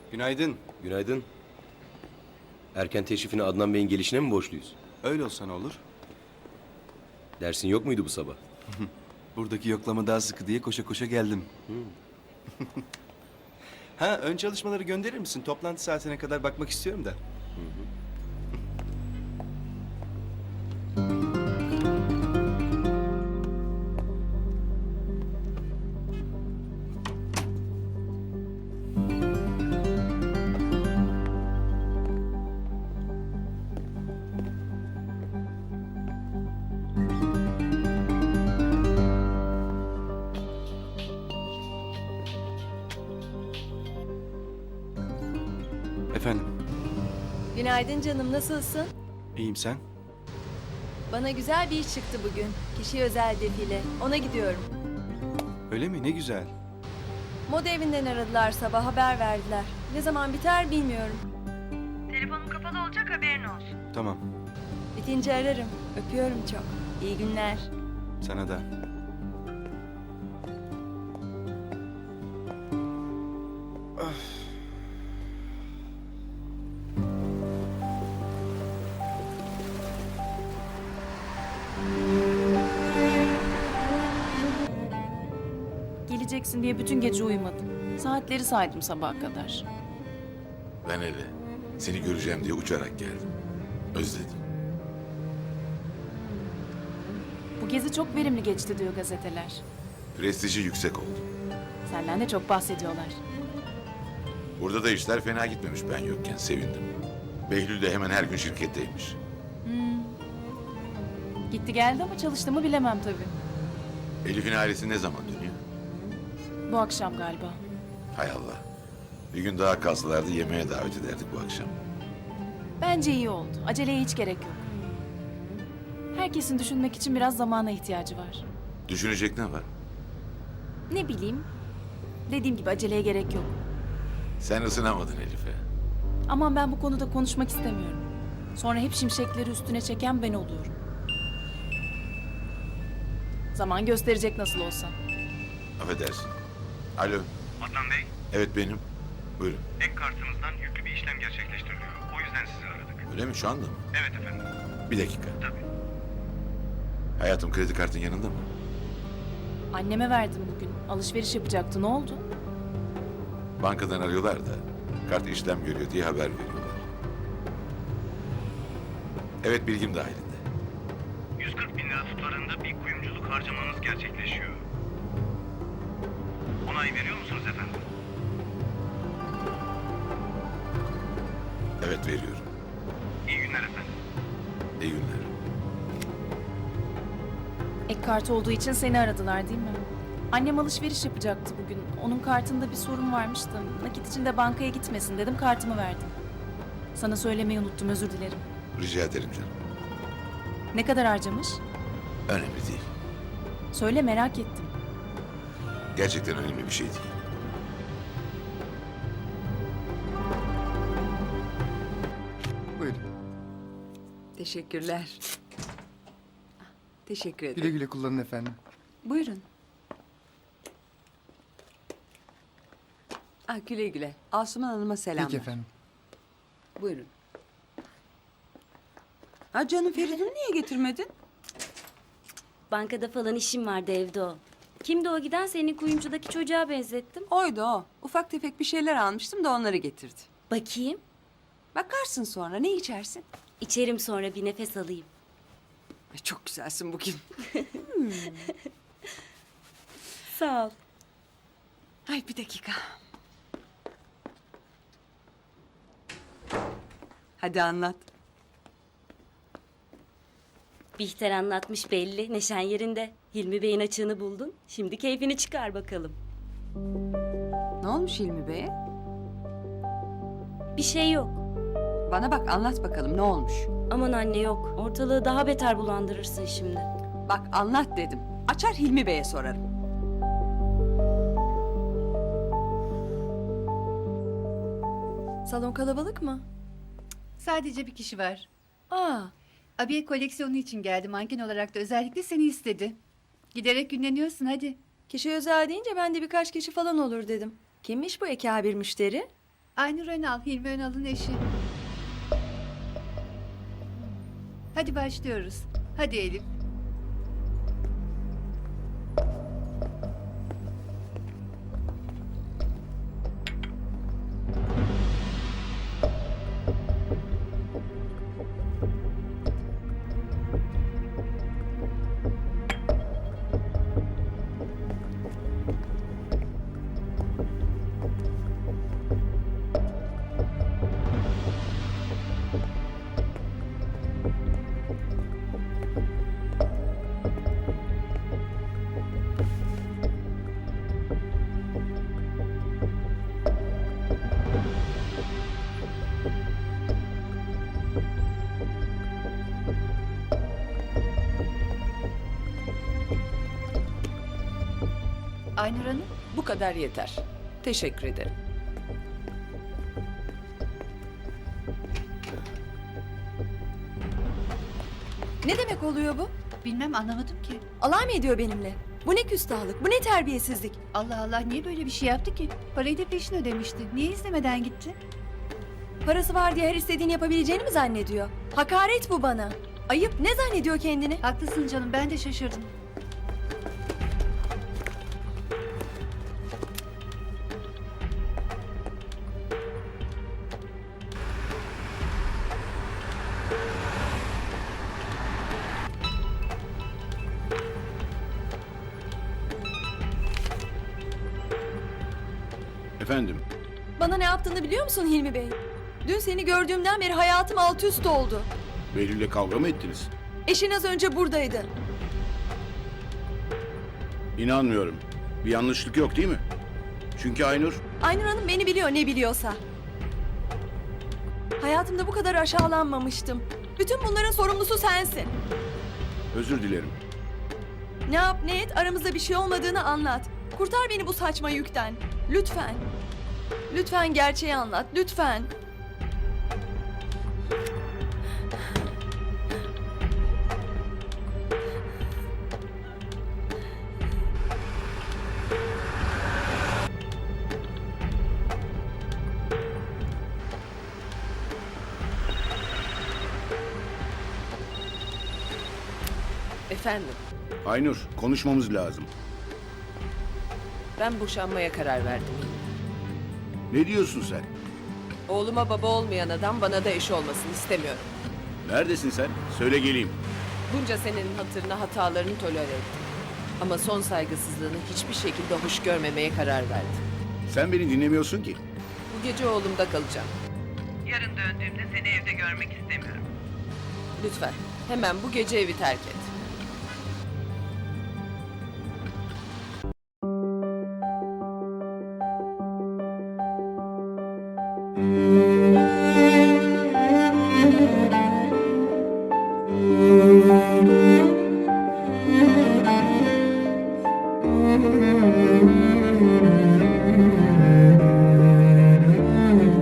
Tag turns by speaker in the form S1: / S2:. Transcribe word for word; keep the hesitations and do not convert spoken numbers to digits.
S1: Günaydın.
S2: Günaydın. Erken teşrifini Adnan Bey'in gelişine mi borçluyuz?
S1: Öyle olsa ne olur?
S2: Dersin yok muydu bu sabah?
S1: Buradaki yoklama daha sıkı diye koşa koşa geldim. Ha, ön çalışmaları gönderir misin? Toplantı saatine kadar bakmak istiyorum da. Efendim,
S3: Günaydın canım, nasılsın?
S1: iyiyim sen?
S3: Bana güzel bir iş çıktı bugün. Kişi özel defile. Ona gidiyorum.
S1: Öyle mi? Ne güzel.
S3: Moda evinden aradılar sabah, haber verdiler. Ne zaman biter bilmiyorum. Telefonum kapalı olacak, haberin olsun.
S1: Tamam,
S3: Bitince ararım. Öpüyorum çok. İyi günler.
S1: sana da.
S4: Geleceksin diye bütün gece uyumadım. Saatleri saydım sabaha kadar.
S5: Ben eve seni göreceğim diye uçarak geldim. Özledim.
S4: Bu gezi çok verimli geçti diyor gazeteler.
S5: Prestiji yüksek oldu.
S4: Senden de çok bahsediyorlar.
S5: Burada da işler fena gitmemiş ben yokken sevindim. Behlül de hemen her gün şirketteymiş.
S4: Gitti geldi ama çalıştı mı bilemem tabii.
S5: Elif'in ailesi ne zaman dönüyor?
S4: Bu akşam galiba.
S5: Hay Allah. Bir gün daha kalsalardı yemeğe davet ederdik bu akşam.
S4: Bence iyi oldu. Aceleye hiç gerek yok. Herkesin düşünmek için biraz zamana ihtiyacı var.
S5: Düşünecek ne var?
S4: Ne bileyim. Dediğim gibi aceleye gerek yok.
S5: Sen ısınamadın Elif'e.
S4: Aman ben bu konuda konuşmak istemiyorum. Sonra hep şimşekleri üstüne çeken ben oluyorum. Zaman gösterecek nasıl olsa.
S5: Affedersin. Alo.
S6: Adnan Bey,
S5: Evet benim. Buyurun.
S6: ek kartınızdan yüklü bir işlem gerçekleştiriliyor. O yüzden sizi aradık.
S5: Öyle mi şu anda mı?
S6: Evet efendim,
S5: Bir dakika.
S6: tabii.
S5: Hayatım kredi kartın yanında mı?
S4: Anneme verdim bugün. Alışveriş yapacaktı. Ne oldu?
S5: Bankadan arıyorlar da kart işlem görüyor diye haber veriyorlar. Evet bilgim dahilinde.
S6: yüz kırk bin lira tutarında bir kuyumculuk harcamanız gerçekleşiyor. Onay veriyor musunuz efendim?
S5: Evet veriyorum.
S6: İyi günler efendim.
S5: İyi günler.
S4: Ek kart olduğu için seni aradılar değil mi? Annem alışveriş yapacaktı bugün. Onun kartında bir sorun varmış da nakit için de bankaya gitmesin dedim, kartımı verdim. Sana söylemeyi unuttum, özür dilerim.
S5: Rica ederim canım.
S4: Ne kadar harcamış?
S5: Önemli değil.
S4: Söyle, merak ettim.
S5: Gerçekten önemli bir şey değil.
S7: Buyurun.
S8: Teşekkürler. Teşekkür ederim.
S7: Güle güle kullanın efendim.
S8: Buyurun. Ah, güle güle. Asuman Hanım'a selamlar.
S7: Peki efendim.
S8: Buyurun. Ha canım, Feridun'u niye getirmedin?
S9: Bankada falan işim vardı, evde o. Kimdi o giden? Senin kuyumcudaki çocuğa benzettim.
S8: Oydu o. Ufak tefek bir şeyler almıştım da onları getirdi.
S9: Bakayım.
S8: Bakarsın sonra. Ne içersin?
S9: İçerim sonra, bir nefes alayım.
S8: Ay, çok güzelsin bugün.
S9: Sağ ol.
S8: Ay bir dakika. Hadi anlat.
S9: Bihter anlatmış belli. Neşen yerinde. Hilmi Bey'in açığını buldun. Şimdi keyfini çıkar bakalım.
S8: Ne olmuş Hilmi Bey'e?
S9: Bir şey yok.
S8: Bana bak, anlat bakalım ne olmuş?
S9: Aman anne yok. Ortalığı daha beter bulandırırsın şimdi.
S8: Bak anlat dedim. Açar Hilmi Bey'e sorarım.
S3: Salon kalabalık mı?
S10: Sadece bir kişi var.
S3: Aa,
S10: Abiye koleksiyonu için geldi. Manken olarak da özellikle seni istedi. Giderek günleniyorsun hadi.
S3: kişi özel deyince ben de birkaç kişi falan olur dedim. Kimmiş bu ekabir müşteri?
S10: Aynur Önal, Hilmi Önal'ın eşi. Hadi başlıyoruz. Hadi Elif. Aynur Hanım.
S8: Bu kadar yeter. Teşekkür ederim.
S3: Ne demek oluyor bu?
S10: Bilmem, anlamadım ki.
S3: Alay mı ediyor benimle? Bu ne küstahlık, bu ne terbiyesizlik?
S10: Allah Allah, niye böyle bir şey yaptı ki? Parayı da peşin ödemişti. Niye istemeden gitti?
S3: Parası var diye her istediğini yapabileceğini mi zannediyor? Hakaret bu bana. Ayıp, ne zannediyor kendini?
S10: Haklısın canım, ben de şaşırdım.
S2: Efendim?
S3: Bana ne yaptığını biliyor musun Hilmi Bey? Dün seni gördüğümden beri hayatım alt üst oldu.
S2: Behlül'le kavga mı ettiniz?
S3: Eşin az önce buradaydı.
S2: İnanmıyorum. Bir yanlışlık yok değil mi? Çünkü Aynur...
S3: Aynur Hanım beni biliyor ne biliyorsa. Hayatımda bu kadar aşağılanmamıştım. Bütün bunların sorumlusu sensin.
S2: Özür dilerim.
S3: Ne yap ne et aramızda bir şey olmadığını anlat. Kurtar beni bu saçma yükten. Lütfen. Lütfen gerçeği anlat. Lütfen.
S8: Efendim,
S2: Aynur, konuşmamız lazım.
S8: ben boşanmaya karar verdim.
S2: Ne diyorsun sen?
S8: Oğluma baba olmayan adam bana da eş olmasını istemiyorum.
S2: Neredesin sen? Söyle geleyim.
S8: Bunca senenin hatırına hatalarını tolere ettim. Ama son saygısızlığını hiçbir şekilde hoş görmemeye karar verdim.
S2: Sen beni dinlemiyorsun ki.
S8: Bu gece oğlumda kalacağım.
S6: Yarın döndüğümde seni evde görmek istemiyorum.
S8: Lütfen hemen bu gece evi terk et.